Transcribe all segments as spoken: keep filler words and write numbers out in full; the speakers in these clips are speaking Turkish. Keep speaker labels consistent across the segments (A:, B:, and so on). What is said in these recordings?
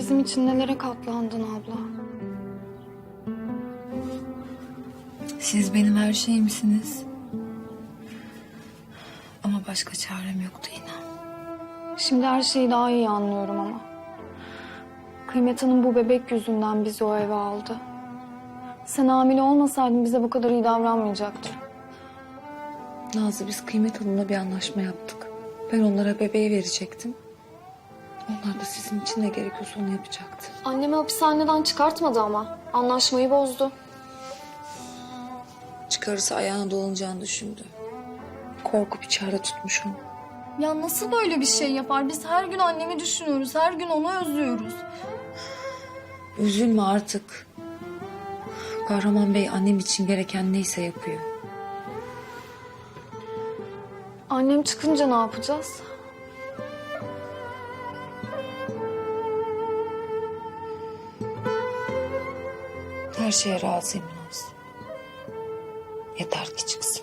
A: bizim için nelere katlandın abla.
B: Siz benim her şeyimsiniz. Ama başka çarem yoktu inan.
A: Şimdi her şeyi daha iyi anlıyorum ama. Kıymet Hanım bu bebek yüzünden bizi o eve aldı. Sen hamile olmasaydın bize bu kadar iyi davranmayacaktı.
B: Nazlı, biz Kıymet Hanım'la bir anlaşma yaptık. Ben onlara bebeği verecektim. Onlar da sizin için ne gerekiyorsa onu yapacaktı.
A: Annemi hapishaneden çıkartmadı ama. Anlaşmayı bozdu.
B: Çıkarırsa ayağına dolanacağını düşündü. Korkup içeride tutmuş onu.
C: Ya nasıl böyle bir şey yapar? Biz her gün annemi düşünüyoruz. Her gün onu özlüyoruz.
B: Üzülme artık. Kahraman Bey annem için gereken neyse yapıyor.
A: Annem çıkınca ne yapacağız?
B: Her şeye razıyım Naz. Yeter ki çıksın.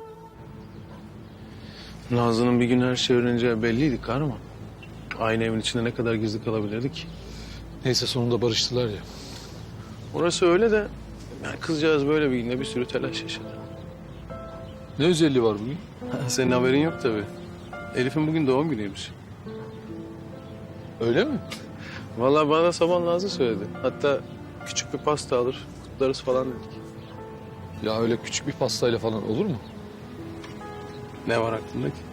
D: Nazlı'nın bir gün her şeyi öğreneceği belliydi kahraman. Aynı evin içinde ne kadar gizli kalabilirdi ki?
E: Neyse sonunda barıştılar ya.
D: Orası öyle de yani kızcağız böyle bir günde bir sürü telaş yaşadı.
E: Ne özelliği var bugün?
D: Senin haberin yok tabii. Elif'in bugün doğum günüymüş.
E: Öyle mi?
D: Vallahi bana da sabah Nazlı söyledi. Hatta küçük bir pasta alır, kutlarız falan dedik.
E: Ya öyle küçük bir pastayla falan olur mu?
D: Ne var aklında ki?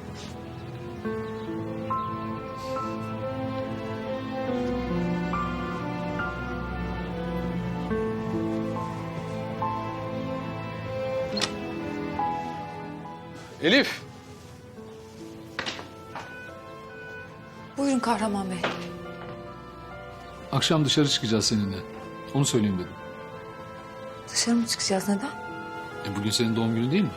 E: Elif!
B: Buyurun Kahraman Bey.
E: Akşam dışarı çıkacağız seninle. Onu söyleyeyim dedim.
B: Dışarı mı çıkacağız, neden?
E: E bugün senin doğum günün değil mi?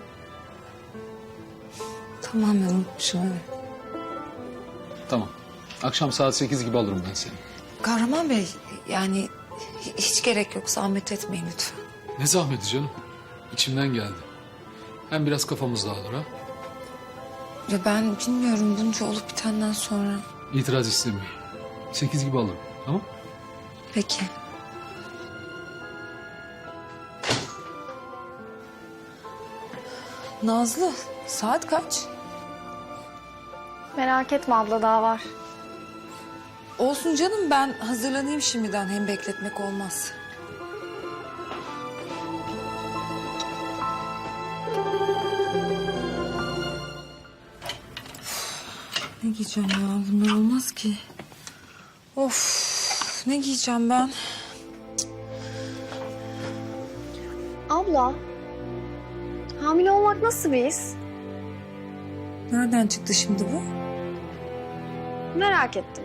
B: Tamamen unutmuşum, evet.
E: Tamam. Akşam saat sekiz gibi alırım ben seni.
B: Kahraman Bey, yani hiç gerek yok. Zahmet etmeyin lütfen.
E: Ne zahmeti canım. İçimden geldi. Hem biraz kafamız dağılır ha.
B: Ya ben bilmiyorum bunca olup bitenden sonra.
E: İtiraz istemiyorum. Sekiz gibi alırım. Tamam?
B: Peki. Nazlı, saat kaç?
A: Merak etme abla, daha var.
B: Olsun canım, ben hazırlanayım şimdiden. Hem bekletmek olmaz. Ne giyeceğim ya? Bunlar olmaz ki. Of, ne giyeceğim ben?
A: Abla, hamile olmak nasıl bir his?
B: Nereden çıktı şimdi bu?
A: Merak ettim.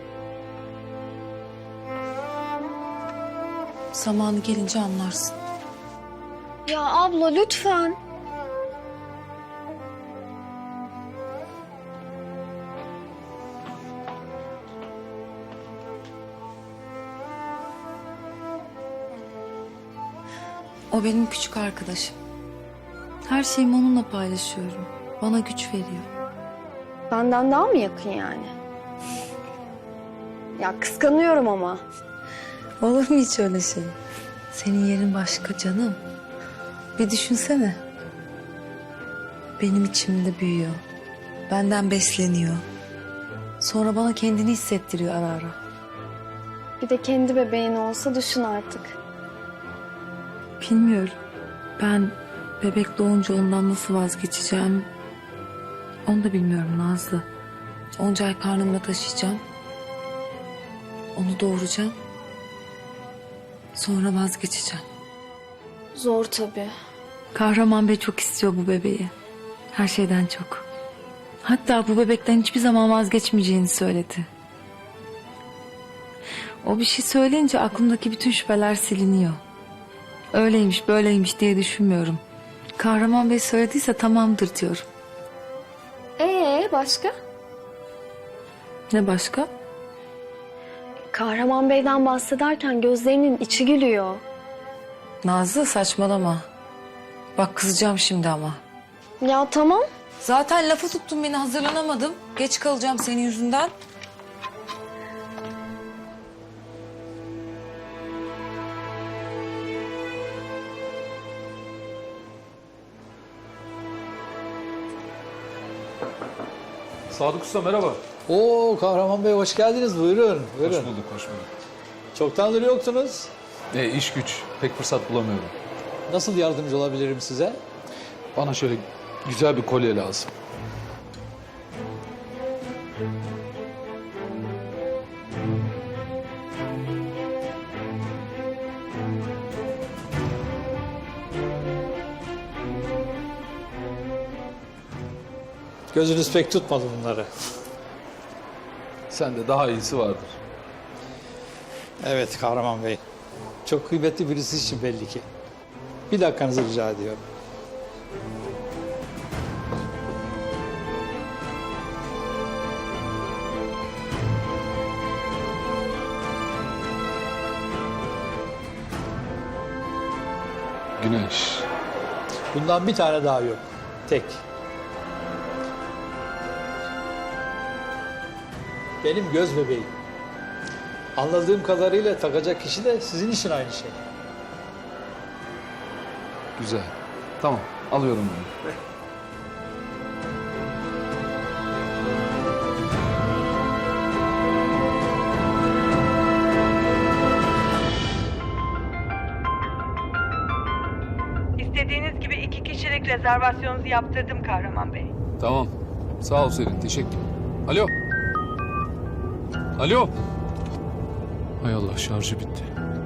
B: Zamanı gelince anlarsın.
A: Ya abla lütfen.
B: O benim küçük arkadaşım. Her şeyimi onunla paylaşıyorum. Bana güç veriyor.
A: Benden daha mı yakın yani? Ya kıskanıyorum ama.
B: Olur mu hiç öyle şey? Senin yerin başka canım. Bir düşünsene. Benim içimde büyüyor. Benden besleniyor. Sonra bana kendini hissettiriyor ara ara.
A: Bir de kendi bebeğin olsa düşün artık.
B: Bilmiyorum. Ben bebek doğunca ondan nasıl vazgeçeceğim... onu da bilmiyorum Nazlı. Onca ay karnımda taşıyacağım. Onu doğuracağım. Sonra vazgeçeceğim.
A: Zor tabii.
B: Kahraman Bey çok istiyor bu bebeği. Her şeyden çok. Hatta bu bebekten hiçbir zaman vazgeçmeyeceğini söyledi. O bir şey söyleyince aklımdaki bütün şüpheler siliniyor. Öyleymiş böyleymiş diye düşünmüyorum. Kahraman Bey söylediyse tamamdır diyorum.
A: Ee başka?
B: Ne başka?
A: Kahraman Bey'den bahsederken gözlerinin içi gülüyor.
B: Nazlı saçmalama. Bak kızacağım şimdi ama.
A: Ya tamam.
B: Zaten lafa tuttun beni, hazırlanamadım. Geç kalacağım senin yüzünden.
E: Sadık Usta merhaba.
F: Oo Kahraman Bey hoş geldiniz. Buyurun. Buyurun.
E: Hoş bulduk, hoş bulduk.
F: Çoktandır yoktunuz.
E: E, iş güç. Pek fırsat bulamıyorum.
F: Nasıl yardımcı olabilirim size?
E: Bana şöyle güzel bir kolye lazım.
F: Gözünüz pek tutmadı bunları.
E: Sende daha iyisi vardır.
F: Evet Kahraman Bey. Çok kıymetli birisi için belli ki. Bir dakikanızı rica ediyorum.
E: Güneş.
F: Bundan bir tane daha yok. Tek. Benim göz bebeğim. Anladığım kadarıyla takacak kişi de sizin için aynı şey.
E: Güzel. Tamam, alıyorum bunu.
G: İstediğiniz gibi iki kişilik rezervasyonunuzu yaptırdım Kahraman Bey.
E: Tamam. Sağ ol Selin, teşekkür. Alo. Alo. Hay Allah, şarjı bitti.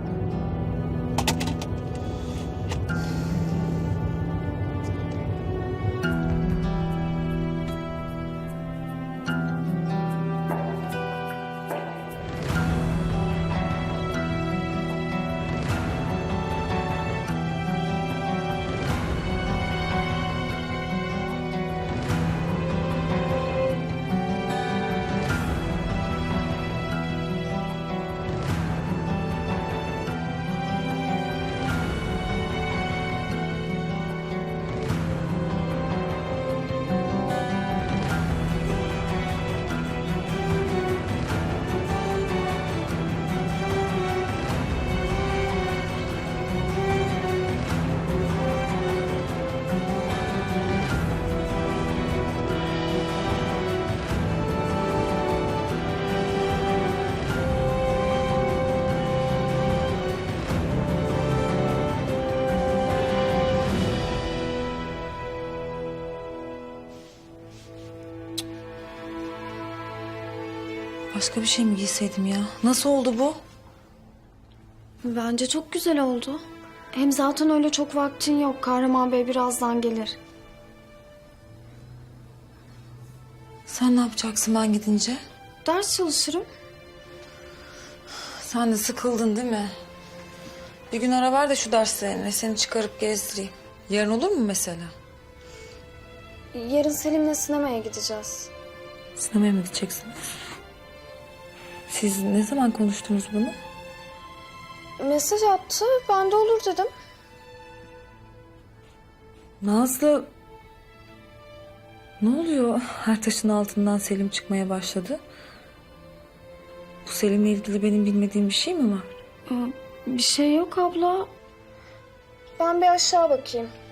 B: Başka bir şey mi giyseydim ya? Nasıl oldu bu?
A: Bence çok güzel oldu. Hem zaten öyle çok vaktin yok. Kahraman Bey birazdan gelir.
B: Sen ne yapacaksın ben gidince?
A: Ders çalışırım.
B: Sen de sıkıldın değil mi? Bir gün ara ver de şu derslerine seni çıkarıp gezdireyim. Yarın olur mu mesela?
A: Yarın Selim'le sinemaya gideceğiz.
B: Sinemaya mı gideceksiniz? Siz ne zaman konuştunuz bunu?
A: Mesaj attı. Ben de olur dedim.
B: Nazlı... Ne oluyor? Her taşın altından Selim çıkmaya başladı. Bu Selim'le ilgili benim bilmediğim bir şey mi var?
A: Bir şey yok abla. Ben bir aşağı bakayım.